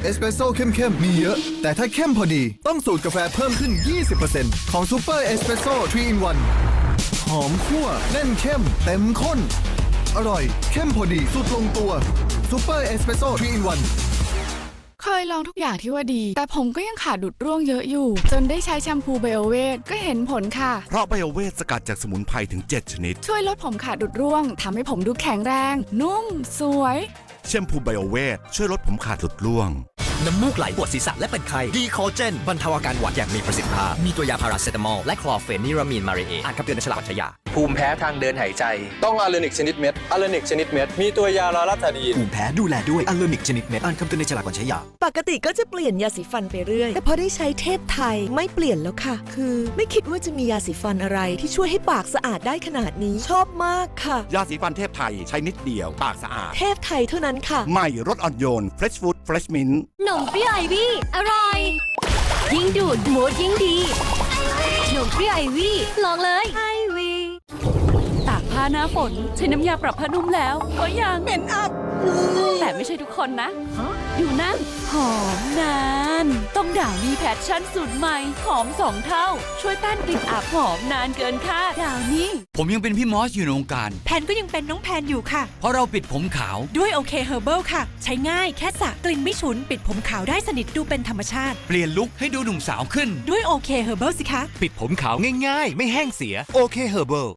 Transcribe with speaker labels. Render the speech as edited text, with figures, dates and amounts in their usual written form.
Speaker 1: เอสเปรสโซ่เข้มๆมีเยอะ แต่ถ้าเข้มพอดีต้องสูตรกาแฟเพิ่มขึ้น 20% ของซูเปอร์เอสเปรสโซ่3 in 1หอมคั่วแน่นเข้มเต็มข้นอร่อยเข้มพอดีสุดลงตัวซูเปอร์เอสเปรสโซ่3 in 1
Speaker 2: เคยลองทุกอย่างที่ว่าดีแต่ผมก็ยังขาดดุดร่วงเยอะอยู่จนได้ใช้แชมพูไบโอเวทก็เห็นผลค่ะ
Speaker 3: เพราะไบโอเวทสกัดจากสมุนไพรถึง 7 ชนิด
Speaker 2: ช่วยลดผมขาดดุดร่วงทำให้ผมดูแข็งแรงนุ่มสวย
Speaker 3: แชมพูไบโอเวทช่วยลดผมขาดหลุดร่วง
Speaker 4: น้ำมูกไหลปวดศีรษะและเป็นไข้ดีคอเจนบรรเทาอาการหวัดอย่างมีประสิทธิภาพมีตัวยาพาราเซตามอลและคลอร์เฟนิรามีนมาเรเออ่านคำเตือนในฉลากวัชยา
Speaker 5: ภูมิแพ้ทางเดินหายใจต้องอะเลนิกชนิดเม็ดอะเลนิกชนิดเม็ดมีตัวยาลาลาตาดีน
Speaker 4: ภูมิแพ้ดูแลด้วยอะเลนิกชนิดเม็ดอ่านคำเตือนในฉลากก่อนใช้ยา
Speaker 6: ปกติก็จะเปลี่ยนยาสีฟันไปเรื่อยแต่พอได้ใช้เทพไทยไม่เปลี่ยนแล้วค่ะคือไม่คิดว่าจะมียาสีฟันอะไรที่ช่วยให้ปากสะอาดได้ขนาดนี้ชอบมากค่ะ
Speaker 3: ยาสีฟันเทพไทยใช้นิดเดียวปากสะอาด
Speaker 6: เทพไทยเท่านั้นค่ะ
Speaker 3: ใหม่รสอ่อนโยน Fresh Food Fresh Mint
Speaker 7: หนมเปรี้ยวไอวี่อร่อยยิ่งดูดมูดยิ่งดีหนมเปรี้ยวไอวี่ลองเลยไอวี่
Speaker 8: ตากผ้าหน้าฝนใช้น้ำยาปรับผ้านุ่มแล้วก็ยังเหม็นอับแต่ไม่ใช่ทุกคนนะอยู่นั่นหอมนานต้องดาวนี่แพชชั่นสูตรใหม่หอม2 เท่าช่วยต้านกลิ่นอับหอมนานเกินคาดดาวนี่
Speaker 9: ผมยังเป็นพี่มอสอยู่ในวงการ
Speaker 6: แพนก็ยังเป็นน้องแพนอยู่ค่ะ
Speaker 9: เพราะเราปิดผมขาว
Speaker 6: ด้วยโอเคเฮอร์เบิลค่ะใช้ง่ายแค่สระกลิ่นไม่ฉุนปิดผมขาวได้สนิทดูเป็นธรรมชาติ
Speaker 9: เปลี่ยนลุคให้ดูหนุ่มสาวขึ้น
Speaker 6: ด้วยโอเคเฮอร์เบิลสิคะ
Speaker 9: ปิดผมขาวง่ายๆไม่แห้งเสียโอเคเฮอร์เบิล